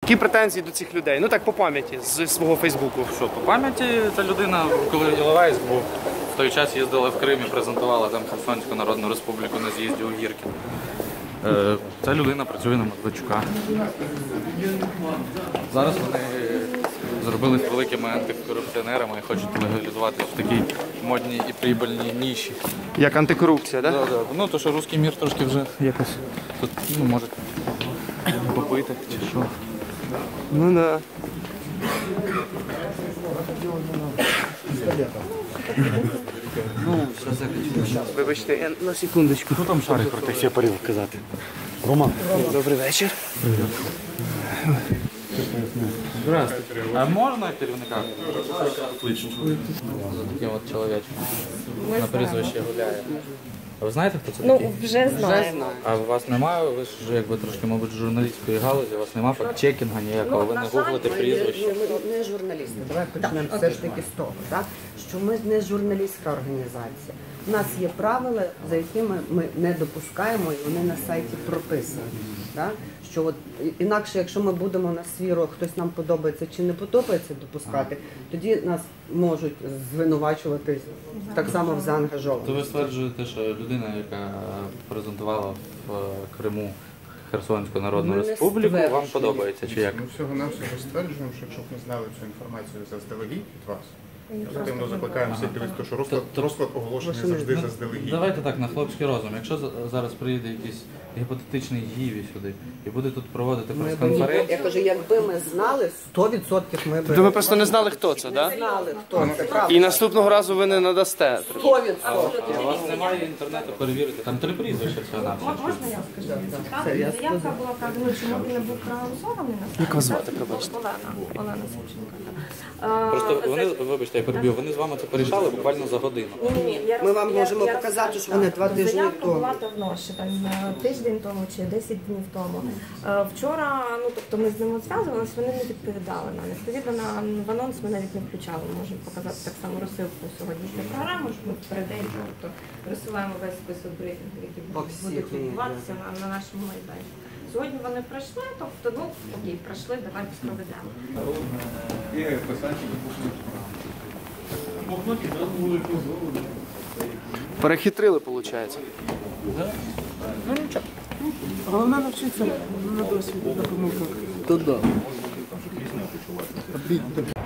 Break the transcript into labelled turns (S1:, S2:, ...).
S1: Які претензії до цих людей? Ну так, по пам'яті, з свого Фейсбуку.
S2: Що, по пам'яті ця людина, коли Іловайськ був, в той час їздила в Крим і презентувала там Херсонську Народну Республіку на з'їзді у Гіркін. Ця людина працює на Медведчука. Зараз вони зробились великими антикорупціонерами і хочуть легалізуватися в такій модній і прибильній ніші.
S1: Як антикорупція, так?
S2: Да, да. Ну, то, що русський мір трошки вже якось тут, ну, може попити чи що.
S1: Ну да.
S2: Ну, зараз.
S1: Вибачте, я на секундочку.
S2: Хто там шарить про те?
S3: Я порів казати. Роман.
S1: Добрий вечір.
S2: Здравствуйте. А можна керівника? За таким от чоловічком. На прізвище гуляє. А ви знаєте, хто це такий?
S4: Ну, вже знаємо.
S2: А у вас немає, ви ж якби трошки, мабуть, журналістської галузі, у вас немає фактчекінга ніякого, ви не гуглите прізвище.
S5: Ми не журналісти. Давай почнемо все ж таки з того, так? Що ми не журналістська організація. У нас є правила, за якими ми не допускаємо, і вони на сайті прописані. Так? Що от, інакше, якщо ми будемо на свіру, хтось нам подобається чи не подобається допускати, тоді нас можуть звинувачувати так само в заангажованості.
S2: То ви стверджуєте, що людина, яка презентувала в Криму Херсонську Народну
S5: Ми не
S2: Республіку, вам
S5: стверджуємо.
S2: подобається чи як?
S6: Ми всього-навсього стверджуємо, що якщо б ми знали цю інформацію заздалегідь від вас, активно закликаємо всіх дивитися, що розклад оголошений завжди заздалегідь.
S2: Давайте так, на хлопський розум. Якщо зараз приїде якийсь гіпотетичний Гіві сюди і буде тут проводити прес-конференцію,
S5: Я кажу, якби ми знали, 100% ми б
S1: То ви просто не знали, хто це, так?
S5: знали, хто це, правда.
S1: І наступного разу ви не надасте.
S5: 100%.
S2: а у вас немає інтернету перевірити, там 3 прізвища всього на все.
S4: Можна я скажу? Заявка була вказана, чому він не був проголосований на
S1: Як вас звати, пробачте?
S4: Олена Савченко.
S2: Просто вони, вибачте, я переб'ю, вони з вами це порішали буквально за годину.
S5: Ми вам можемо показати, що вони 2 тижні
S4: Заявка
S5: тому.
S4: була давно, ще там тиждень тому чи 10 днів тому. Вчора, ну тобто ми з ними зв'язувалися, вони не відповідали нам. Відповідно, в анонс ми навіть не включали. Можемо показати так само розсилку сьогоднішньої програми, що ми перед тобто розсилаємо весь список брифінгів, які будуть відбуватися на нашому майданчику. Сьогодні вони прийшли, тобто, ну окей, прийшли, давайте проведемо.
S1: Перехитрили, виходить.
S3: Головне навчитися на досвіді, на помилках. То да.